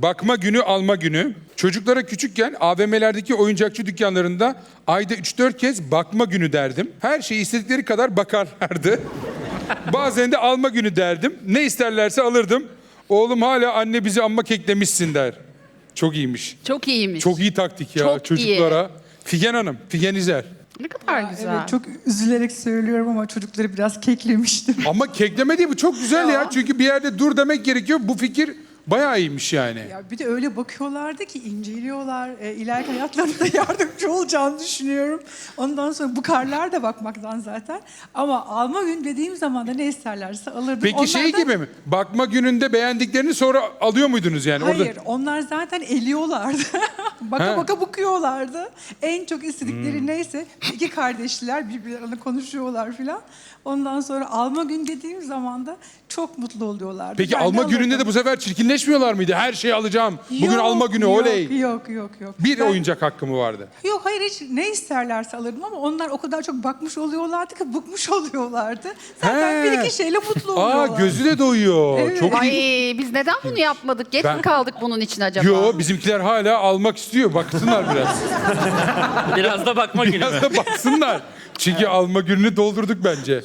bakma günü, alma günü. Çocuklara küçükken AVM'lerdeki oyuncakçı dükkanlarında ayda 3-4 kez bakma günü derdim. Her şeyi istedikleri kadar bakarlardı. Bazen de alma günü derdim. Ne isterlerse alırdım. Oğlum hala anne bizi amma keklemişsin der. Çok iyiymiş. Çok iyiymiş. Çok iyi taktik ya Çok çocuklara. Figen Hanım, Figen İzer. Ne kadar güzel. Evet, çok üzülerek söylüyorum ama çocukları biraz keklemiştim. Ama kekleme değil, bu çok güzel ya. Çünkü bir yerde dur demek gerekiyor. Bu fikir bayağı iyiymiş yani. Ya bir de öyle bakıyorlardı ki inceliyorlar. İleriki hayatlarında yardımcı olacağını düşünüyorum. Ondan sonra bu karlar da bakmaktan zaten. Ama alma gün dediğim zaman da ne isterlerse alırdım. Peki Onlar şey da- gibi mi? Bakma gününde beğendiklerini sonra alıyor muydunuz yani? Hayır, onlar zaten eliyorlardı. Baka baka bakıyorlardı. En çok istedikleri neyse, iki kardeşler birbirlerine konuşuyorlar filan. Ondan sonra alma gün dediğim zaman da çok mutlu oluyorlardı. Peki Ben de alma gününde alırdım. de bu sefer çirkinleşmiyorlar mıydı? Her şeyi alacağım. Bugün Yok, alma günü, yok, oley. Yok. Bir Ben- oyuncak hakkı mı vardı? Yok hayır, hiç ne isterlerse alırdım ama onlar o kadar çok bakmış oluyorlardı ki bıkmış oluyorlardı. Zaten He. bir iki şeyle mutlu Aa, oluyorlar. gözü de doyuyor. Evet. Çok Ay iyi. biz neden bunu yapmadık? Geç Ben- mi kaldık bunun için acaba? Yo, bizimkiler hala almak istiyor. Baksınlar biraz. Biraz da bakma günü mü? Biraz da baksınlar. Çünkü alma gününü doldurduk bence.